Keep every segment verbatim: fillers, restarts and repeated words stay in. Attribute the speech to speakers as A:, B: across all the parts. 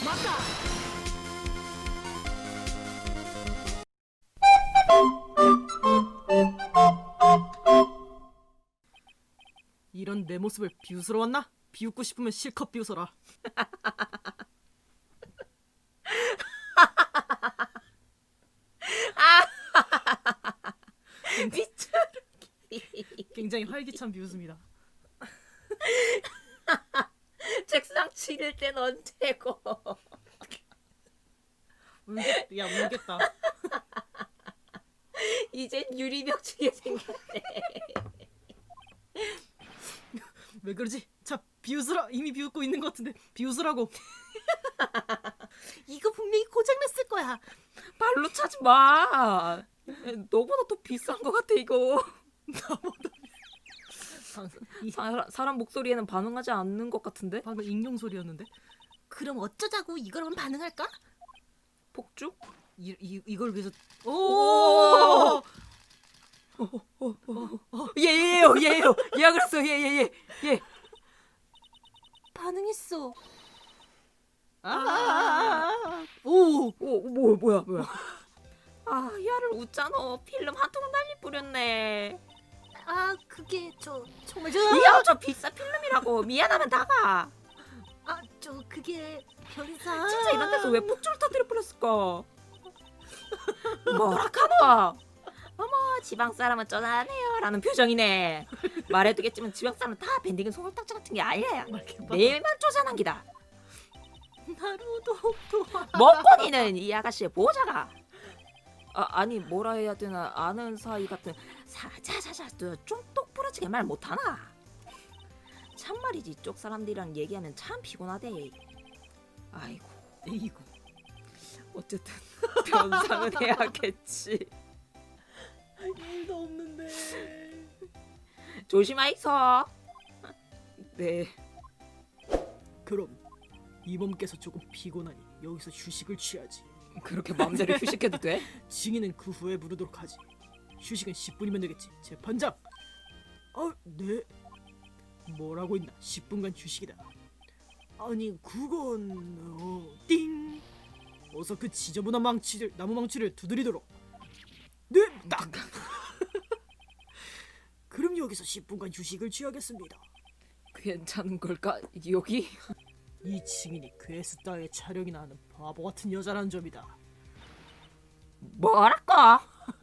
A: 맞다. 이런 내 모습을 비웃으러왔나? 비웃고 싶으면 실컷 비웃어라.
B: 미쳐.
A: 굉장히 활기찬 비웃음이다.
B: 책상 치를 땐 언제고.
A: 울겠, 야 울겠다.
B: 이젠 유리벽 치게 생겼네.
A: 왜 그러지? 자 비웃으라. 이미 비웃고 있는 것 같은데 비웃으라고. 이거 분명히 고장났을 거야.
B: 발로 차지 마. 너보다 더 비싼 것 같아 이거.
A: 나보다. 이,
B: 사, 사람 목소리에는 반응하지 않는 것 같은데?
A: 방금 익룡 소리였는데. 그럼 어쩌자고 이거라면 반응할까?
B: 폭죽?
A: 이, 이 이걸 위해서.
B: 오!
A: 오!
B: 얘예요, 얘예요. 얘가 그랬어, 얘, 얘, 얘, 얘.
A: 반응했어. 아! 오!
B: 오, 뭐, 뭐야, 뭐야. 아, 야를 웃잖아. 필름 한 통 날리 뿌렸네.
A: 아 그게 저 정말 저.
B: 이야, 저 비싼 필름이라고. 미안하면 나가.
A: 아 저 그게 별이사.
B: 진짜 이런 데서 왜 폭죽을 터뜨려 버렸을까? 뭐라 카노? 어머, 지방 사람은 쩌다네요 라는 표정이네. 말해두겠지만 지방 사람은 다 밴딩은 소금딱지 같은 게 아니야. 내일만 쪼잔한 기다.
A: 나루도 도와.
B: 먹거니는 이 아가씨의 보호자가. 아, 아니 뭐라 해야 되나, 아는 사이 같은 사자자자 좀 똑부러지게 말 못하나? 참말이지, 이쪽 사람들이랑 얘기하면 참 피곤하대. 아이고,
A: 에이구.
B: 어쨌든 변상은 해야겠지.
A: 일도 없는데.
B: 조심하이소. 네.
A: 그럼 이몸께서 조금 피곤하니 여기서 휴식을 취하지.
B: 그렇게 마음대로 휴식해도 돼?
A: 증인은 그 후에 부르도록 하지. 휴식은 십 분이면 되겠지. 재판장. 아, 네. 뭐라고 했나? 십 분간 휴식이다. 아니 그건 어, 띵. 어서 그 지저분한 망치를 나무 망치를 두드리도록. 네, 딱. 그럼 여기서 십 분간 휴식을 취하겠습니다.
B: 괜찮은 걸까? 여기?
A: 이 증인이 괴스 따위의 촬영이나 하는 바보 같은 여자라는 점이다.
B: 뭐랄까?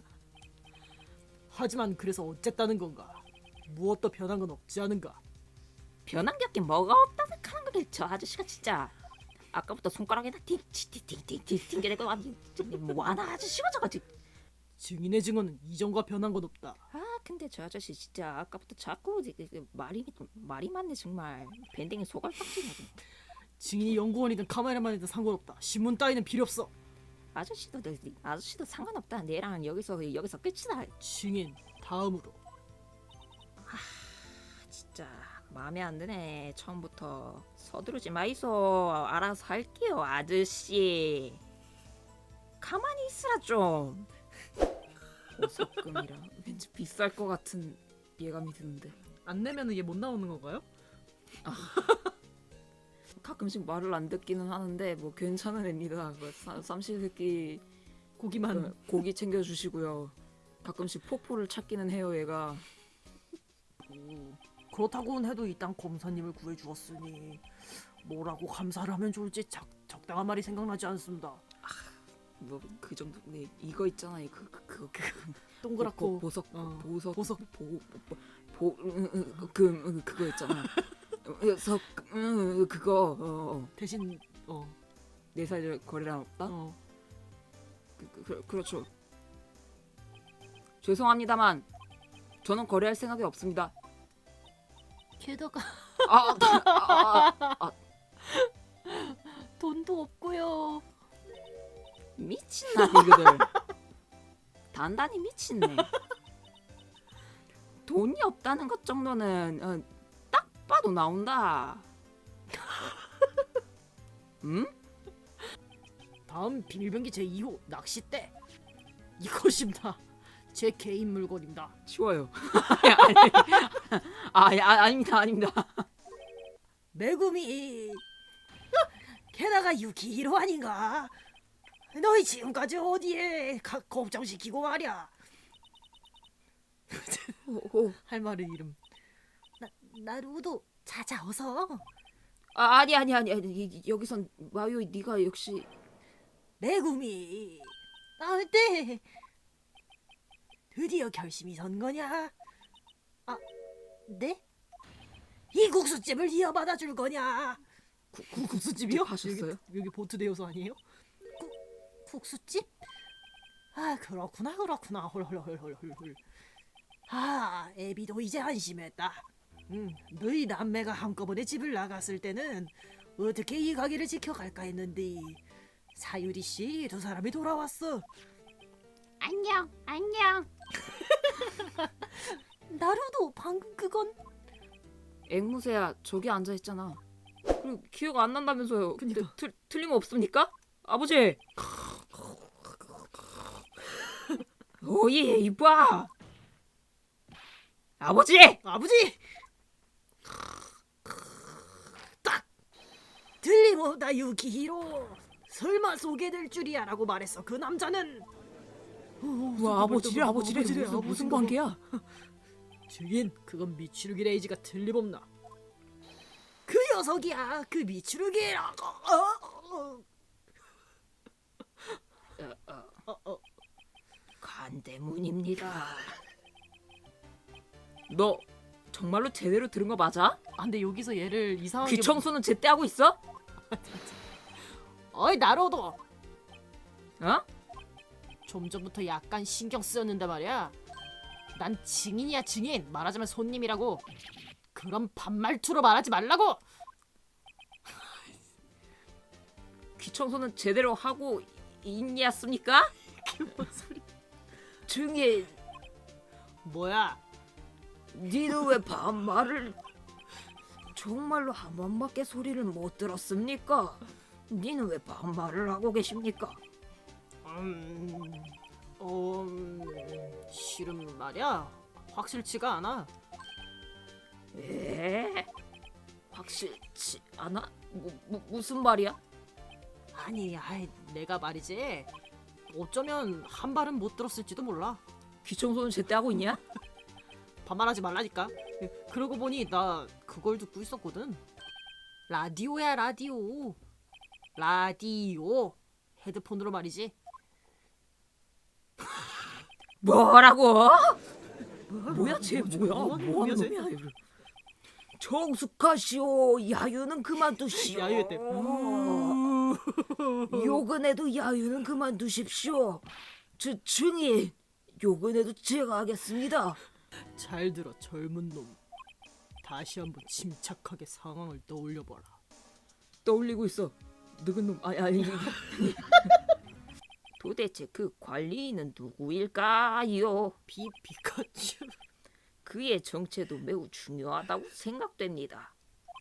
A: 하지만 그래서 어쨌다는 건가? 무엇도 변한 건 없지 않은가?
B: 변한 게 없긴 뭐가 없다 생각하는 거래. 저 아저씨가 진짜 아까부터 손가락에다 팅팅팅팅팅 튕겨내고 아니 뭐하나 아저씨가 저거지.
A: 증인의 증언은 이전과 변한 건 없다.
B: 아 근데 저 아저씨 진짜 아까부터 자꾸 말이 말이 많네 정말. 밴딩이 소갈딱지냐고.
A: 증인이 연구원이든 카메라만이든 상관없다. 신문 따위는 필요 없어.
B: 아저씨도 아저씨도 상관없다. 내랑은 여기서 여기서 끝이다.
A: 증인 다음으로.
B: 진짜 마음에 안 드네. 처음부터 서두르지 마이소. 알아서 할게요 아저씨. 가만히 있으라 좀. 보석금이라 왠지 비쌀 것 같은 예감이 드는데.
A: 안 내면은 얘 못 나오는 건가요?
B: 가끔씩 말을 안 듣기는 하는데 뭐 괜찮은 애입니다. 그 삼시세끼
A: 고기만.
B: 그 고기 챙겨주시고요. 가끔씩 포포를 찾기는 해요 얘가.
A: 오, 그렇다고는 해도 이 땅 검사님을 구해주었으니 뭐라고 감사를 하면 좋을지 적, 적당한 말이 생각나지 않습니다.
B: 뭐 그 정도. 네 이거 있잖아요. 그그 그, 그, 그,
A: 동그랗고
B: 보, 보석
A: 어,
B: 보석
A: 보석.
B: 보보그 그거 있잖아. 석 음, 그거 어, 어.
A: 대신 어,
B: 네 살 거래량 없다?
A: 어.
B: 그, 그, 그, 그렇죠. 죄송합니다만 저는 거래할 생각이 없습니다.
A: 게다가
B: 아, 아, 아, 아
A: 돈도 없고요.
B: 미친나 이거들. 단단히 미친네. 돈이 없다는 것 정도는 어, 딱 봐도 나온다. 응?
A: 다음 비밀병기 제이 호 낚싯대. 이것입니다. 제 개인 물건입니다.
B: 치워요. 아, 아, 아닙니다, 아닙니다.
A: 메구미. 게다가 유키히로 아닌가? 너희 지금까지 어디에 가, 걱정시키고 말이야.
B: 오, 오.
A: 할 말은 이름. 나 나루도 자자 어서.
B: 아, 아니 아니 아니 아니 이- 여기선 마요이 네가 역시
A: 메구미. 아, 네. 드디어 결심이 선 거냐? 아, 네? 이 국수집을 이어받아 줄 거냐? 구, 구, 국수집이요?
B: 하셨어요?
A: 여기, 여기 보트 대여소 아니에요? 구, 국수집? 아, 그렇구나 그렇구나. 헐헐헐헐헐. 아, 애비도 이제 안심했다. 음, 너희 남매가 한꺼번에 집을 나갔을 때는 어떻게 이 가게를 지켜갈까 했는데 사유리 씨 두 사람이 돌아왔어.
C: 안녕, 안녕.
A: 나루도 방금 그건
B: 앵무새야 저기 앉아 있잖아. 그리고 기억 안 난다면서요.
A: 그니까.
B: 근데 틀 틀림 없습니까? 아버지. 오예 이봐. 아버지.
A: 아버지. 딱 들림없다 유키히로. 설마 소개될 줄이야라고 말했어. 그 남자는
B: 와 아버지래 아버지래 무슨, 무슨 관계야?
A: 주인, 그건 미추루기 레이지가 틀림없나. 그 녀석이야. 그 미추루기라고. 어,
B: 어, 어,
A: 어, 어.
B: 간대문입니다. 너 정말로 제대로 들은 거 맞아?
A: 아, 근데 여기서 얘를 이상하게
B: 귀 청소는 제때 하고 있어?
A: 어이 나로도
B: 어?
A: 좀 전부터 약간 신경 쓰였는데 말이야. 난 증인이야 증인. 말하자면 손님이라고. 그런 반말투로 말하지 말라고.
B: 귀 청소는 제대로 하고 있냐습니까?
A: 뭔 소리?
B: 증인,
A: 뭐야?
B: 니는 왜 반말을? 정말로 한 번밖에 소리를 못 들었습니까? 니는 왜 반말을 하고 계십니까?
A: 음, 어, 음, 실은 말이야. 확실치가 않아.
B: 에? 확실치 않아? 뭐, 뭐, 무슨 말이야?
A: 아니, 아이, 내가 말이지. 어쩌면 한 발은 못 들었을지도 몰라.
B: 귀 청소는 제때 하고 있냐?
A: 반말하지 말라니까. 그러고 보니 나 그걸 듣고 있었거든. 라디오야 라디오. 라디오. 헤드폰으로 말이지.
B: 뭐라고? 뭐야 쟤 뭐야?
A: 뭐 하는
B: 뭐하는
A: 놈이야, 쟤?
B: 놈이야? 이거. 정숙하시오. 야유는 그만두시오.
A: 야유했대.
B: 욕은 해도 야유는 그만두십시오. 저 증인 욕은 해도 제가 하겠습니다.
A: 잘 들어 젊은 놈. 다시 한번 침착하게 상황을 떠올려봐라.
B: 떠올리고 있어. 늙은 놈. 아니 아니. 도대체 그 관리인은 누구일까요?
A: 비 피카츄.
B: 그의 정체도 매우 중요하다고 생각됩니다.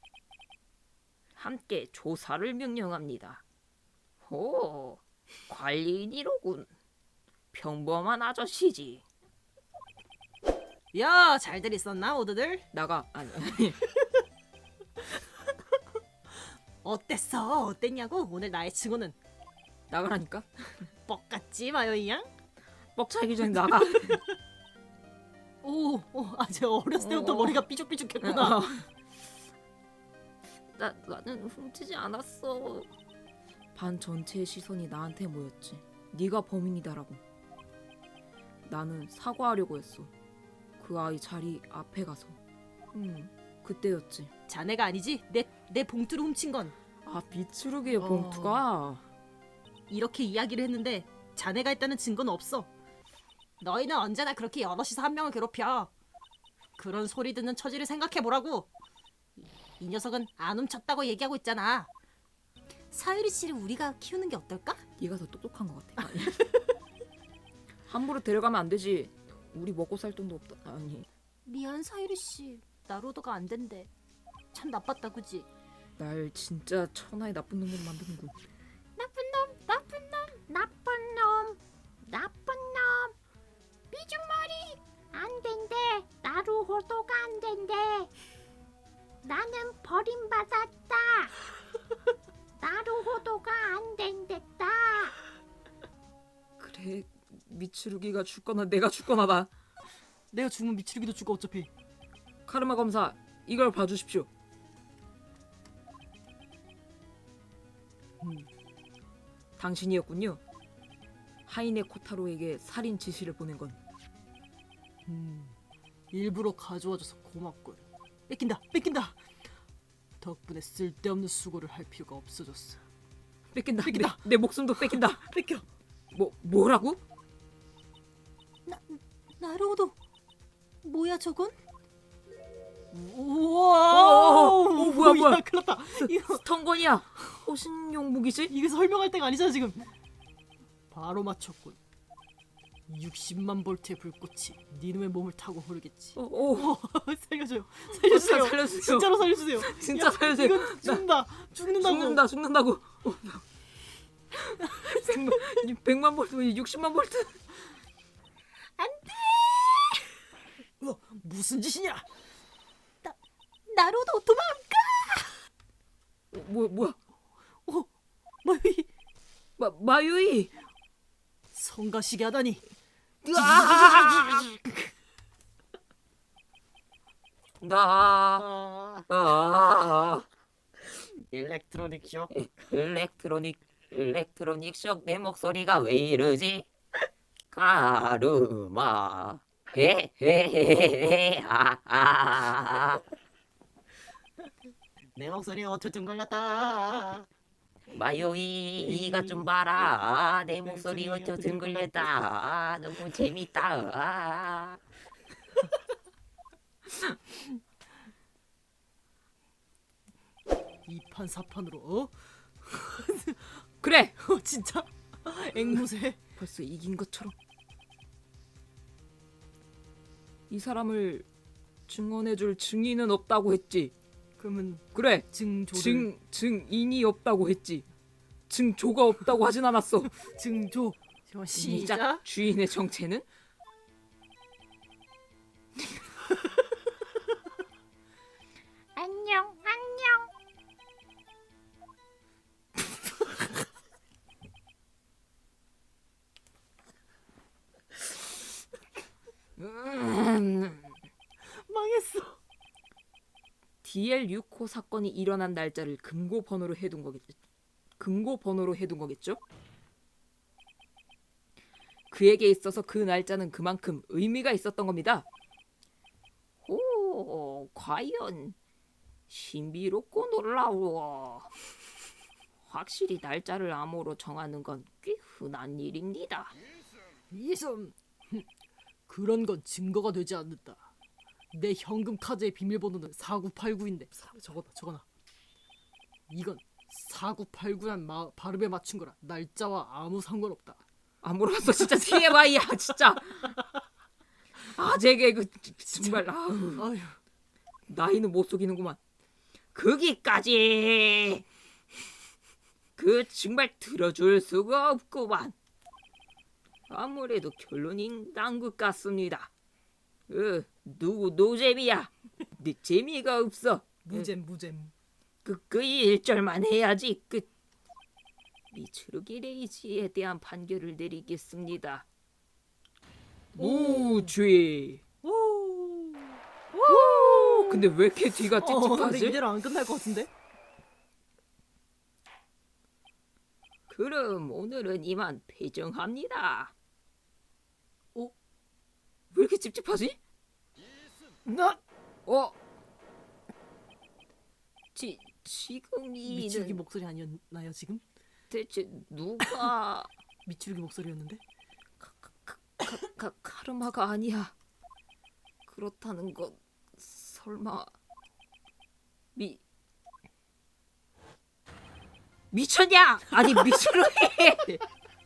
B: 함께 조사를 명령합니다. 오, 관리인이로군. 평범한 아저씨지.
A: 야, 잘들 있었나 모두들?
B: 나가. 아니.
A: 어땠어? 어땠냐고? 오늘 나의 증언은
B: 나가라니까.
A: 뻑같지 마요이 양?
B: 뻑차기 전에 나가.
A: 오, 오, 아, 제가 어렸을 때부터
B: 어.
A: 머리가 삐죽삐죽했구나.
B: 나 나는 훔치지 않았어. 반 전체의 시선이 나한테 모였지. 네가 범인이다라고. 나는 사과하려고 했어. 그 아이 자리 앞에 가서. 음, 그때였지.
A: 자네가 아니지? 내, 내 봉투를 훔친 건.
B: 아, 비추르기의
A: 어.
B: 봉투가.
A: 이렇게 이야기를 했는데 자네가 했다는 증거는 없어. 너희는 언제나 그렇게 여럿이서 한 명을 괴롭혀. 그런 소리 듣는 처지를 생각해보라고. 이 녀석은 안 훔쳤다고 얘기하고 있잖아. 사유리 씨를 우리가 키우는 게 어떨까?
B: 네가 더 똑똑한 것 같아. 아니. 함부로 데려가면 안 되지. 우리 먹고 살 돈도 없다. 아니.
A: 미안 사유리 씨. 나로도가 안 된대. 참 나빴다 그지?
B: 날 진짜 천하의 나쁜 놈으로 만드는군.
C: 나쁜 놈, 나쁜 놈, 나쁜 놈, 나쁜 놈. 삐죽머리 안 된대. 나루호도가 안 된대. 나는 버림받았다. 나루호
B: 미츠루기가 죽거나 내가 죽거나다.
A: 내가 죽으면 미치루기도 죽어 어차피.
B: 카르마 검사, 이걸 봐주십시오.
A: 음,
B: 당신이었군요. 하이네 코타로에게 살인 지시를 보낸 건.
A: 음, 일부러 가져와줘서 고맙군. 뺏긴다, 뺏긴다. 덕분에 쓸데없는 수고를 할 필요가 없어졌어.
B: 뺏긴다.
A: 뺏긴다.
B: 내, 내 목숨도 뺏긴다.
A: 뺏겨.
B: 뭐 뭐라고?
A: 나루호도 뭐야 저건?
B: 오,
A: 우와!
B: 오, 오, 뭐야, 뭐야.
A: 큰일났다. 이거
B: 스턴건이야. 호신용 무기지?
A: 이게 설명할 때가 아니잖아 지금. 바로 맞췄군. 육십만 볼트의 불꽃이 니놈의 몸을 타고 흐르겠지.
B: 어, 오,
A: 어, 살려줘요. 살려주세요.
B: 살려주세요.
A: 진짜로 살려주세요.
B: 진짜
A: 야,
B: 살려주세요.
A: 이건 죽는다. 죽는다고.
B: 죽는다, 죽는다고. 어, 백만, 백만 볼트, 육십만 볼트.
A: 어, 무슨 짓이냐?
C: 나루도 도망.
B: 어, 뭐 뭐야?
A: 어, 마이
B: 마 마유이.
A: 성가시게 하다니.
B: 나 아,
A: 일렉트로닉 쇼.
B: 일렉트로닉 일렉트로닉 쇼크. 내 목소리가 왜 이러지? 가르마 헤헤헤헤 아아
A: 내 목소리 어쩌든 걸렸다.
B: 마요이 이가 좀 봐라. 내 목소리 어쩌 둥글렸다. 너무 재밌다.
A: 이판 사판으로 어?
B: 그래.
A: 어 진짜? 앵무새.
B: 벌써 이긴 것처럼. 이 사람을 증언해줄 증인은 없다고 했지.
A: 그러면
B: 그래.
A: 증조를
B: 증 증인이 없다고 했지. 증조가 없다고 하진 않았어.
A: 증조.
B: 시작.
A: 시작.
B: 주인의 정체는?
C: 안녕 안녕.
B: 음,
A: 망했어.
B: 디엘 육 호 사건이 일어난 날짜를 금고 번호로 해둔 거겠죠. 금고 번호로 해둔 거겠죠. 그에게 있어서 그 날짜는 그만큼 의미가 있었던 겁니다. 오, 과연 신비롭고 놀라워. 확실히 날짜를 암호로 정하는 건 꽤 흔한 일입니다.
A: 이섬. 그런 건 증거가 되지 않는다. 내 현금 카드의 비밀번호는 사구팔구인데 적어놔 적어놔. 이건 사구팔구란 마, 발음에 맞춘 거라 날짜와 아무 상관없다.
B: 안 물어봤어. 진짜 티엠아이야 진짜. 아재 개그 정말. 아우,
A: 아휴.
B: 나이는 못 속이는구만. 거기까지. 그 정말 들어줄 수가 없구만. 아무래도 결론이 난 것 같습니다. 어, 누구 노잼이야. 네 재미가 없어.
A: 무잼 무잼.
B: 그, 그 일절만 해야지. 그 미츠루기 레이지에 대한 판결을 내리겠습니다. 무죄.
A: 오.
B: 오, 근데 왜 이렇게 뒤가
A: 어, 근데
B: 찝찝하지?
A: 이대로 안 끝날 것 같은데?
B: 그럼 오늘은 이만 퇴정합니다.
A: 어?
B: 왜 이렇게 찝찝하지?
A: 나
B: 어? 지 지금
A: 미치루기
B: 이는
A: 목소리 아니었나요 지금?
B: 대체 누가
A: 미치루기 목소리였는데?
B: 가, 카르마가 아니야. 그렇다는 건 설마 미 미쳤냐? 아니 미츠루기.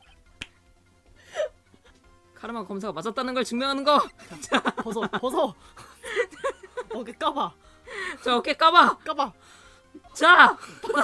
B: 카르마 검사가 맞았다는 걸 증명하는 거.
A: 벗어 벗어. 어깨 까봐
B: 저 어깨 까봐.
A: 까봐.
B: 자,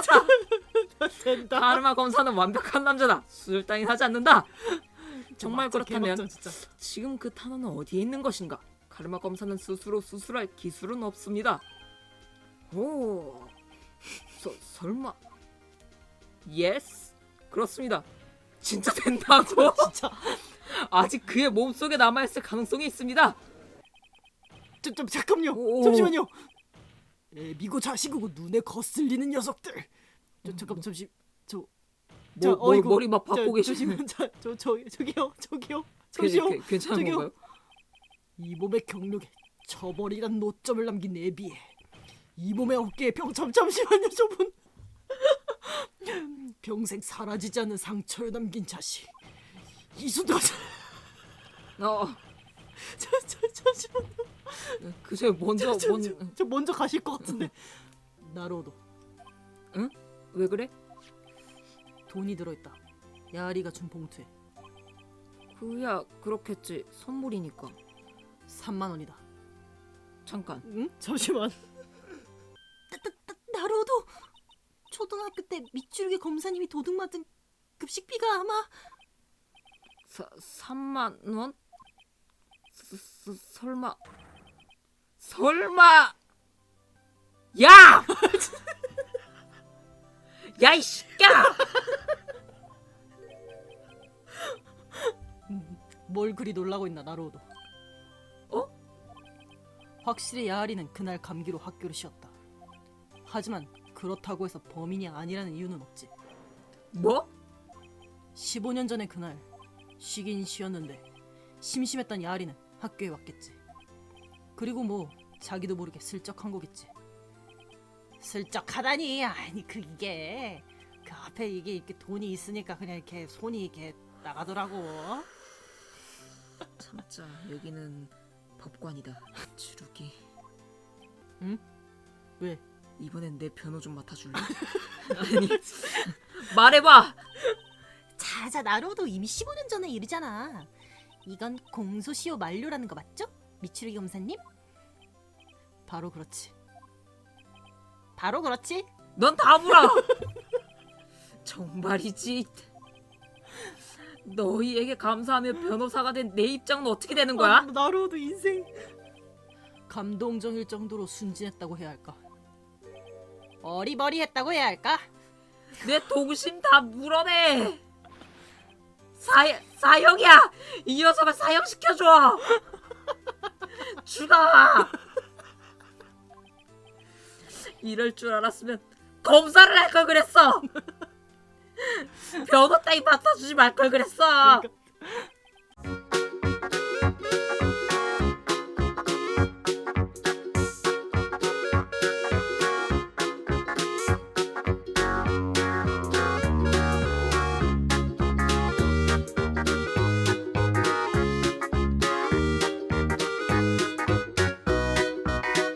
A: 된다.
B: 카르마 검사는 완벽한 남자다. 수술 따윈 하지 않는다. 정말
A: 막자,
B: 그렇다면
A: 개막전, 진짜.
B: 지금 그 탄원은 어디에 있는 것인가? 카르마 검사는 스스로 수술할 기술은 없습니다. 오, 서, 설마? 예스, 그렇습니다. 진짜 된다고?
A: 진짜
B: 아직 그의 몸속에 남아있을 가능성이 있습니다.
A: 저, 좀 잠깐요.
B: 오.
A: 잠시만요. 애비고 자식이고 눈에 거슬리는 녀석들. 저 잠깐 잠시 저. 자,
B: 뭐, 뭐,
A: 어이구,
B: 머리 막
A: 저,
B: 박고 계시네.
A: 조심히- 자, 저, 저, 저기요, 저기요, 잠시요.
B: 괜- 괜찮은
A: 저기요.
B: 건가요?
A: 이 몸의 경력에 처벌이란 노점을 남긴 애비에 이 몸의 어깨에 병 잠, 잠시만요, 저분. 평생 사라지지 않는 상처를 남긴 자식 이수도.
B: 어,
A: 저, 저, 잠시만요.
B: 그저 먼저
A: 저, 저,
B: 먼.
A: 저, 저 먼저 가실 것 같은데. 나로도
B: 왜 그래?
A: 돈이 들어있다. 야리가 준 봉투에
B: 그야 그렇겠지. 선물이니까.
A: 삼만 원이다.
B: 잠깐.
A: 응? 잠시만. 나로도 초등학교 때 밑줄기 검사님이 도둑 맞은 급식비가 아마
B: 사, 삼만 원? 스, 스, 설마 설마 야! 야 이 새끼야!
A: 뭘 그리 놀라고 있나 나로도.
B: 어?
A: 확실히 야리는 그날 감기로 학교를 쉬었다. 하지만 그렇다고 해서 범인이 아니라는 이유는 없지.
B: 뭐?
A: 십오 년 전의 그날 쉬긴 쉬었는데 심심했던 야리는 학교에 왔겠지. 그리고 뭐 자기도 모르게 슬쩍 한 거겠지. 슬쩍 하다니. 아니 그 이게 그 앞에 이게 이렇게 돈이 있으니까 그냥 이렇게 손이 이렇게 나가더라고.
B: 참자, 여기는 법관이다. 주룩이.
A: 응? 왜?
B: 이번엔 내 변호 좀 맡아줄래? 아니, 말해봐.
A: 자자 나로도 이미 십오 년 전의 일이잖아. 이건 공소시효 만료라는 거 맞죠? 미추르기 검사님? 바로 그렇지. 바로 그렇지.
B: 넌 다 물어. 정말이지. 너희에게 감사하며 변호사가 된 내 입장은 어떻게 되는 거야?
A: 아, 나로도 인생 감동적일 정도로 순진했다고 해야 할까? 어리버리했다고 해야 할까?
B: 내 동심 다 물어내. 사 사형이야. 이 녀석을 사형시켜줘. 죽어. 이럴 줄 알았으면 검사를 할 걸 그랬어. 변호 따위 맡아주지 말 걸 그랬어.
A: 그러니까